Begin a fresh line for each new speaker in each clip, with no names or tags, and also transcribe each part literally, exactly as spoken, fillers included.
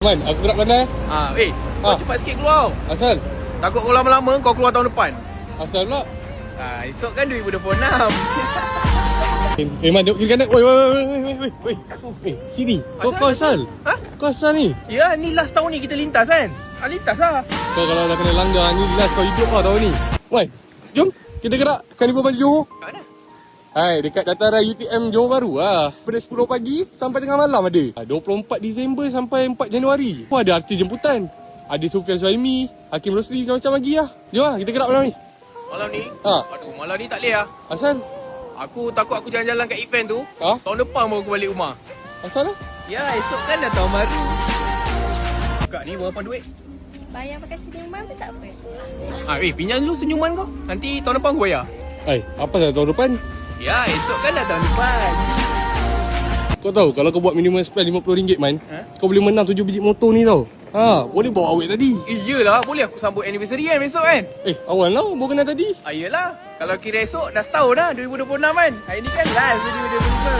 Man, aku gerak pandai.
Ah, eh, kau
Ah.
cepat sikit keluar.
Asal?
Takut kau lama-lama kau keluar tahun depan.
Asal pula?
Ah, esok kan dua ribu dua puluh enam.
Eh, eh Man, tengok kiri kanan. Oi, oi, oi, oi, oi, oi, oi. Eh, sini. Kau, kau asal?
Ha?
Kau asal ni?
Ya, ni last tahun ni kita lintas kan? Ah, lintas lah.
Kau kalau dah kena langgar ni, last kau hidup lah tahun ni. Man, jom. Kita gerak Carnival Baju Johor.
Kat mana?
Hai, dekat dataran U T M Johor Bahru lah. Pada sepuluh pagi sampai tengah malam ada. Ah, dua puluh empat Disember sampai empat Januari. Pun ada artis jemputan. Ada Sufian Suhaimi, Hakim Rosli, macam-macam lagi lah. Jom lah, kita gerak malam ni.
Malam ni?
Ha.
Aduh, malam ni tak boleh lah.
Asal?
Aku takut aku jalan-jalan kat event tu.
Ha?
Tahun depan baru aku balik rumah.
Asal lah?
Ya, esok kan dah tahun baru. Kak ni berapa duit?
Bayar pakai senyuman pun tak apa.
Ah, eh, pinjam dulu senyuman kau. Nanti tahun depan aku bayar.
Hai, apa dah tahun depan?
Ya, esok kan dah tahun depan.
Kau tahu kalau kau buat minimum spend lima puluh ringgit man,
Ha?
kau boleh menang tujuh biji motor ni tau. Ha, boleh bawa awet tadi.
Eh, iyalah. Boleh aku sambut anniversary kan besok kan?
Eh, awal lah baru kenal tadi.
Ah, iyalah. Kalau kira esok dah setahun dah, dua ribu dua puluh enam kan? Hari ni kan last dua ribu dua puluh lima.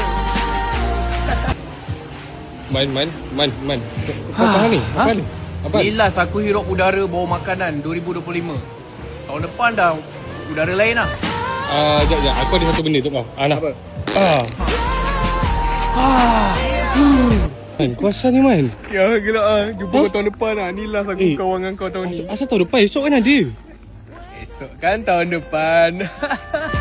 Man, man, man, man. Kau apa ni? Apa ni? Apa?
Ni last aku hirup udara bawa makanan dua ribu dua puluh lima. Tahun depan dah udara lain lah.
Ah, jap, jap. Aku ada satu benda tu kau. Ah, nah.
Apa?
Ah. Man, kau asal ni man?
Ya, gelak lah. Jumpa
Huh?
kau tahun depan lah. Ni last aku
Eh,
kawan dengan kau tahun ni.
Asal, asal tahun depan? Esok kan ada.
Esok kan tahun depan.